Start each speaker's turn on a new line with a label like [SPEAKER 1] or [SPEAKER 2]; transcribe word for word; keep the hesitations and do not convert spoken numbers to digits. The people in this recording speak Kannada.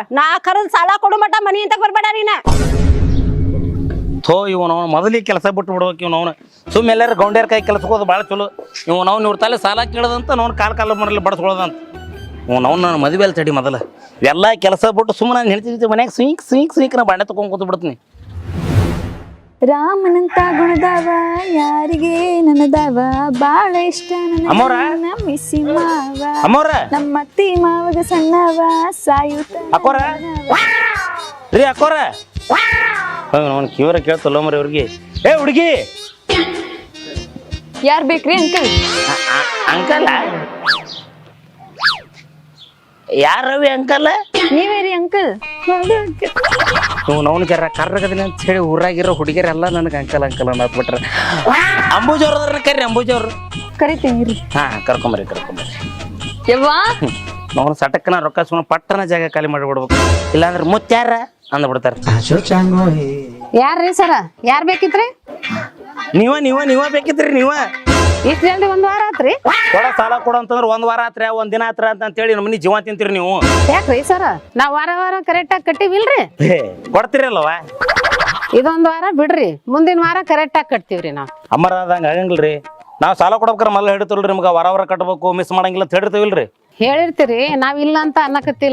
[SPEAKER 1] ನಾ ಕರೆದ್ ಸಾಲ ಕೊಡು ಮಟ ಮನಿ ಅಂತ ಬರ್ಬೇಡ ನೀನ.
[SPEAKER 2] ಥೋ ಇವನು ಅವನು ಮೊದಲಿಗೆ ಕೆಲಸ ಬಿಟ್ಟು ಬಿಡ್ಬೇಕು ಇವ್ನು ಅವನು ಸುಮ್ಮ ಎಲ್ಲಾರು ಗೌಂಡ್ಯಾರ ಕೈ ಕೆಲಸಕ್ಕೆ ಹೋದು ಭಾಳ ಚಲೋ ಇವ್ನು ಅವ್ನು ಇವ್ರ ತಲೆ ಸಾಲ ಕೇಳದಂತ ಅವ್ನು ಕಾಲು ಕಾಲ ಮರಲ್ಲಿ ಬಡಿಸ್ಕೊಳ್ಳೋದಂತ ಅವ್ನು ಅವ್ನು ನಾನು ಮದುವೆ ಅಲ್ಲಿ ತಡಿ ಮೊದಲ ಎಲ್ಲ ಕೆಲಸ ಬಿಟ್ಟು ಸುಮ್ಮನೆ ನಾನು ಹೇಳ್ತಿದ್ದೆ ಮನ್ಯಾಗ ಸ್ವೀಕ್ ಸ್ವೀಕ್ ಸ್ವೀಕ್ ನಾ ಬಾಂಡೆ ತಗೊಂಡ್ ಕೂತು ಬಿಡ್ತೀನಿ.
[SPEAKER 3] ರಾಮನಂತ ಗುಣದಾವ ಯಾರಿಗೆ ನನದಾವ ಬಾಳ ಇಷ್ಟ
[SPEAKER 2] ಅಮ್ಮೋರ
[SPEAKER 3] ಮಿಸಿ ಮಾವ
[SPEAKER 2] ಅಮ್ಮೋರ
[SPEAKER 3] ನಮ್ಮ ಅತ್ತಿ ಮಾವಗ ಸಣ್ಣವ ಸಾಯುತ್ತ
[SPEAKER 2] ಅಕ್ಕೋರ ರೀ ಅಕ್ಕೋರ ಅವ್ನು ಕಿವರ ಕೇಳ್ತಲ್ಲ ಮರಿ ಅವ್ರಿಗೆ ಏ ಹುಡುಗಿ
[SPEAKER 3] ಯಾರ್ ಬೇಕ್ರಿ ಅಂಕಲ್?
[SPEAKER 2] Uncle ಯಾರವಿ uncle?
[SPEAKER 3] ನೀವೇ ರೀ ಅಂಕಲ್.
[SPEAKER 2] ಇವ್ನು ಅವ್ನು ಜರ ಕರ್ರಗದಿನ ಅಂತ ಹೇಳಿ ಊರಾಗಿರೋ ಹುಡುಗಿಯರೆಲ್ಲ ನನಗೆ ಅಂಕಲ್ ಅಂಕಲ್ ಅನ್ನತ್ ಬಿಟ್ರೆ ಅಂಬೂಜ್ ಅವ್ರದ್ರ ಕರ್ರಿ ಅಂಬೂಜ್ ಅವ್ರು
[SPEAKER 3] ಕರಿತೀನಿ ರೀ.
[SPEAKER 2] ಹಾ ಕರ್ಕೊಂಬರಿ ಕರ್ಕೊಂಬರಿ
[SPEAKER 3] ಯವ್ವಾ
[SPEAKER 2] ನಾವು ಸಟಕ್ಕನ ರೊಕ್ಕ ಸುಮ್ಮನೆ ಪಟ್ಟನ ಜಾಗ ಖಾಲಿ ಮಾಡಿಬಿಡ್ಬೇಕು ಇಲ್ಲಾಂದ್ರೆ ಮುತ್ಯಾರ ಅಂದ್ಬಿಡ್ತಾರ.
[SPEAKER 1] ಯಾರ್ರಿ ಸರ ಯಾರ್ ಬೇಕಿತ್ರಿ?
[SPEAKER 2] ನೀವ ನೀವ ನೀವ ಬೇಕಿದ್ರಿ ನೀವ
[SPEAKER 1] ಇಷ್ಟ ಜಲ್ದಿ ಒಂದ್ ವಾರ ಆತ್ರಿ?
[SPEAKER 2] ಕೊಡ ಸಾಲ ಕೊಡ ಅಂತಂದ್ರೆ ಒಂದ್ ವಾರ ಆತ್ರ ಒಂದ್ ದಿನ ಆತ್ರ ಅಂತ ಹೇಳಿ ನಮ್ಮ ಮನಿ ಜೀವ ತಿಂತೀರಿ ನೀವು.
[SPEAKER 1] ಯಾಕ್ರಿ ಸರ ನಾವ್ ವಾರ ವಾರ ಕರೆಕ್ಟ್ ಆಗಿ ಕಟ್ಟಿವಿಲ್ರಿ?
[SPEAKER 2] ಕೊಡ್ತೀರಲ್ವ
[SPEAKER 1] ಇದೊಂದ್ ವಾರ ಬಿಡ್ರಿ ಮುಂದಿನ ವಾರ ಕರೆಕ್ಟ್ ಆಗಿ ಕಟ್ತೀವ್ರಿ ನಾವ್.
[SPEAKER 2] ಅಮ್ಮರ ಅದಂಗ ಆಗಂಗಿಲ್ರಿ ನಾವ್ ಸಾಲ ಕೊಡ್ಬೇಕಾರ ಮಲ್ಲ ಹಿಡಿತಲ್ರಿ ನಿಮ್ಗ ವಾರ ವಾರ ಕಟ್ಬೇಕು ಮಿಸ್ ಮಾಡಂಗಿಲ್ಲ ಅಂತ ಹೇಳಿರ್ತೀವಿಲ್ರಿ.
[SPEAKER 1] ಹೇಳಿರ್ತೀರಿ ನಾವ್ ಇಲ್ಲ ಅಂತ ಅನ್ನಕತ್ತಿಲ್ಲ.